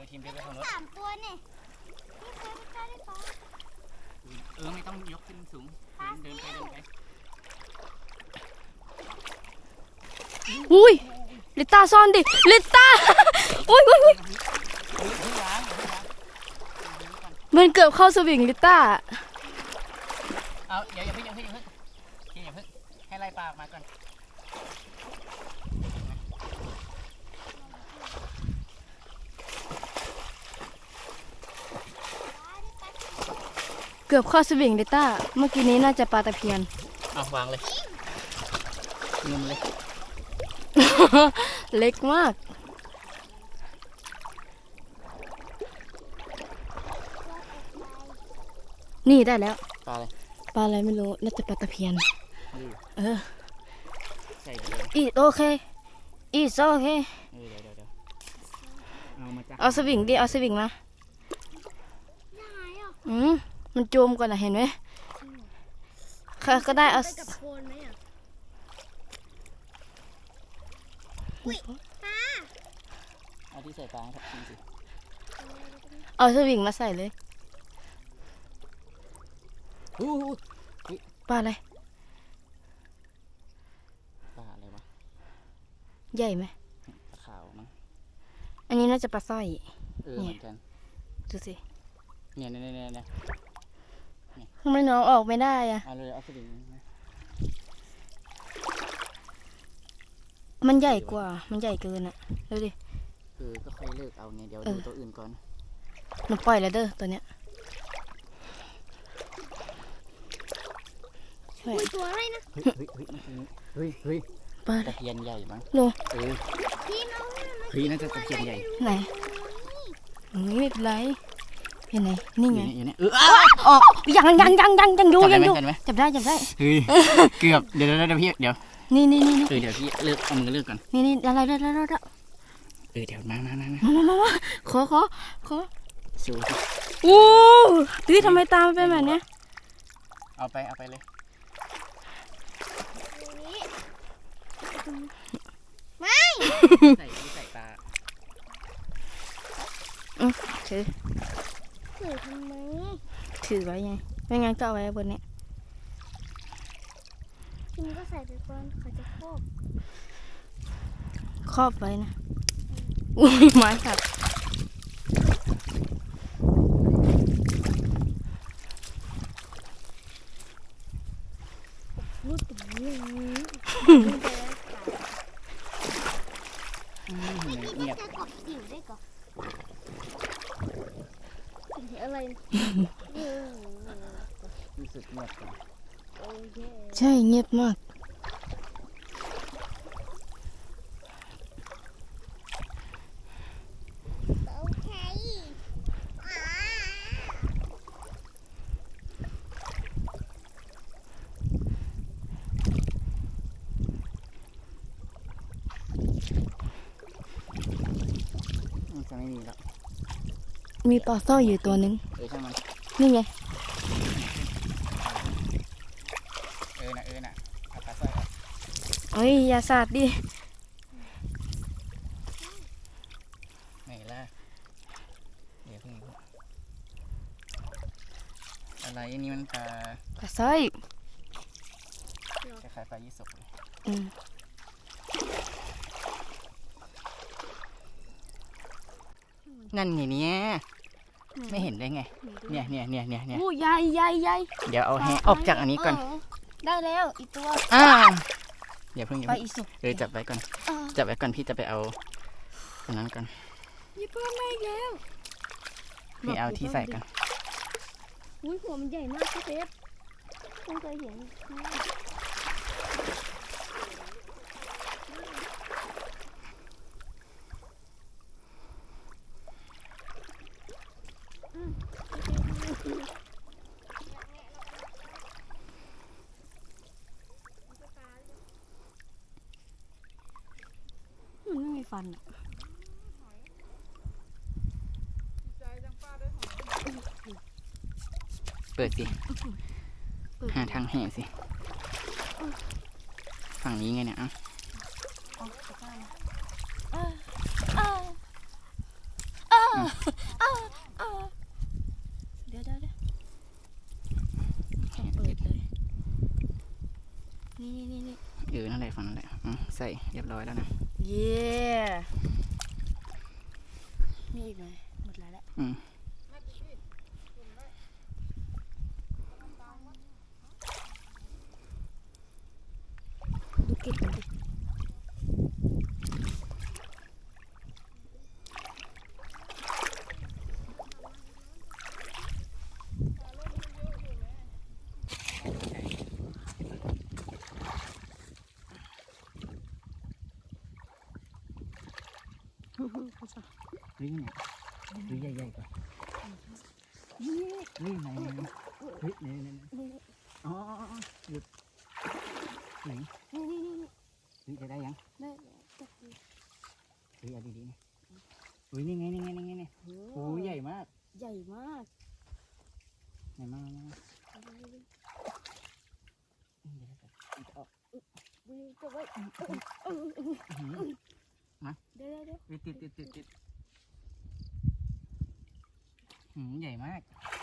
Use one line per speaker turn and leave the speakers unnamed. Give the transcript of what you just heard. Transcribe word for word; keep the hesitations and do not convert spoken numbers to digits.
อทีมเดินไปทางโน้น
สามตัวเนี่ยนี่เคยไปได้ปะ
เออไม่ต้องยกขึ้นสูงเดินไปเดินไป
อุ้ยลิต้าซ่อนดิลิต้าอุ้ยอุ้ยอุ้ยมันเกือบเข้าสวิงลิต้า
เอาอย่าอย่าเพิ่งอย่าเพิ่งอย่าเพิ่งอย่าเพิ่งให้ไล่ปลาออกมาก่อน
เกือบเข้าสวิงลิต้าเมื่อกี้นี้น่าจะปลาตะเพียน
เอาวางเลยงุมเลย
เล็กมากนี่ได้แล้ว
ปลาอะไร
ปลาอะไรไม่รู้น่าจะปลาตะเพียนเออ
ใช่เดี๋ยว
อีโอเคอีโอเค
เออเดี๋ยวเดี๋ยวเดี๋ยวเอามาจ้ะ
เอาสวิงดิเอาสวิงมาอืมมันจมก่อนนะเห็นไหมค่ะก็ได้เอา
ไปกับโคนไหมอ่ะอุ้ยปลา
เอาที่ใส่ปลาให้ทับทิมสิ
เอาสวิงมาใส่เลย
อู้หู
ปลาอะไร
ปลาอะไรวะ
ใหญ่ไหม
ปลาขาวมั้ง
อันนี้น่าจะปลาสร้อย
เออเหมือนกัน
ดูสิ
เนี่ยเนี่ยเนี่ยเนี่ย
ทำไมน้องออกไม่ได้อะ
เอาเลยเอาสลิง
มันใหญ่กว่ามันใหญ่เกินอะดูดิ
เออก็ค่อยเลิกเอาเนี่ยเดี๋ยว
เอ
ดู
อ
ตัวอื่นก่อน
หนูปล่อยแล้วเด้อตัวเนี้ยใช่
อุ้ยตัวอะไรนะ
เฮ้ยเฮ้ยเฮ้ยเฮ้ยเฮ้ย
ปลาอะไร
ตะเพียนใหญ่มั้ง
โล
เออ
พี่น้องเนี่ยมัน
เฮ้ยน่าจะตะเพียนใหญ่
ไหนอืมไม่เป็นไรเห็นไหนนี่
อ
ไง
ยู่เนี่ยอยู่เนี่ยเอออ้าว
ยังยังยังยังยังอยู่
จับ
ยั
ได้
ง
ไหม
อยู่
จับได้ไหม
จับได้จับได้
เฮ้ยเกือบเดี๋ยวเดี๋ยวเดี๋ยวพี่เดี๋ยว
นี่นี่นี่
เออเดี๋ยวพี่เลือกเอามือเลือกก่อน
นี่นี่อะไรได้ได้ได้ได้
เออเดี๋ยวมามามามา
มามามามาขอขอขอ
สูสิ
อู้ตุ้ยทำไมตามเป็นแบบเนี้ย
เอาไปเอาไปเลย
นี้ไม่
ใส่ใส่ปลา
อือถือ
ถือทำไม
ถือไว้ไงไม่งั้นก็เอาไว้บนเนี้ย
ทีนี้ก็ใส่ไปก่อนเขาจะโคบ
ครอบไว้นะอุ้ยไม้หัก
รูดตรงนี้
อืม
พี่
เงียบ
จะกบจิ๋วได้ก่อนอะไร
รู้สึกเงียบกว่า
โอเค
ใช่เงียบมาก
โอเคอ่า
อืมจะไม่มีแล้ว
มีปลาสร้อยอยู่ตัวนึง
เออช่างมัน
นี่ไง
เออนะเออนะเอาปลาสร้อยออก
เอ้ยอย่าสาดดิ
ไหนล่ะเดี๋ยวเพิ่งอะไรอันนี้มันปลา
ปลาสร้อย
คล้ายๆปลายี่สกเลย
อืม
นั่นไงเนี่ยไม่เห็นได้ไงเนี่ยเนี่ยเนี่ยเนี่ยเนี่ย
อู้ใหญ่ใหญ่ใหญ่
เดี๋ยวเอาแฮออกจากอันนี้ก่อน
เได้แล้วอีกตัว
อ่าเดี๋ยวเพิ่งอย่า
ไป
เพิ่ง
อีสุก
เออจับไว้ก่อนจับไว้ก่อนพี่จะไปเอาอันนั้นก่อน
ยี่ป้าไม่แล้ว
พี่เอาที่ใส่ก่อน
อุ้ยหัวมันใหญ่มากพี่เป๊ปเพิ่งเคยเห็นมันไม่มีฟันอ่ะ
เปิดสิหาทางแห่สิฝั่งนี้ไงเนี่ยอ่ะ
อ้าว
เดี๋ยวเดี๋ยวเดี๋ยวต้องเปิดเลยนี่นี่นี่
เออนั่นแหละฝั่งนั่นแหละอืมใส่เรียบร้อยแล้วนะ
เย้มีอีกไหมหมดแล้วแหละ
อืม
ดูเก็บมันดิเขาจะ
เฮ้ยเนี่ยเฮ้ยใหญ่ๆกว่าเฮ้ยไหนไหนไหนเฮ้ยไหนไหนไหนอ๋อหยุดไหน
นี่นี่นี่นี่
เฮ้ยจะได้ยัง
ได้จับดู
เฮ้ยเอาดีๆนะเฮ้ยนี่ไงนี่ไงนี่ไงนี่โอ้ยใหญ่มาก
ใหญ่มาก
ใหญ่มากมากอืมเดี๋ยวจะมันจะออก
ดูจับไว้
อื้อหือ
เดี๋ยวเดี๋ยว
ติดติดติดติดติดหืมใหญ่มาก
เ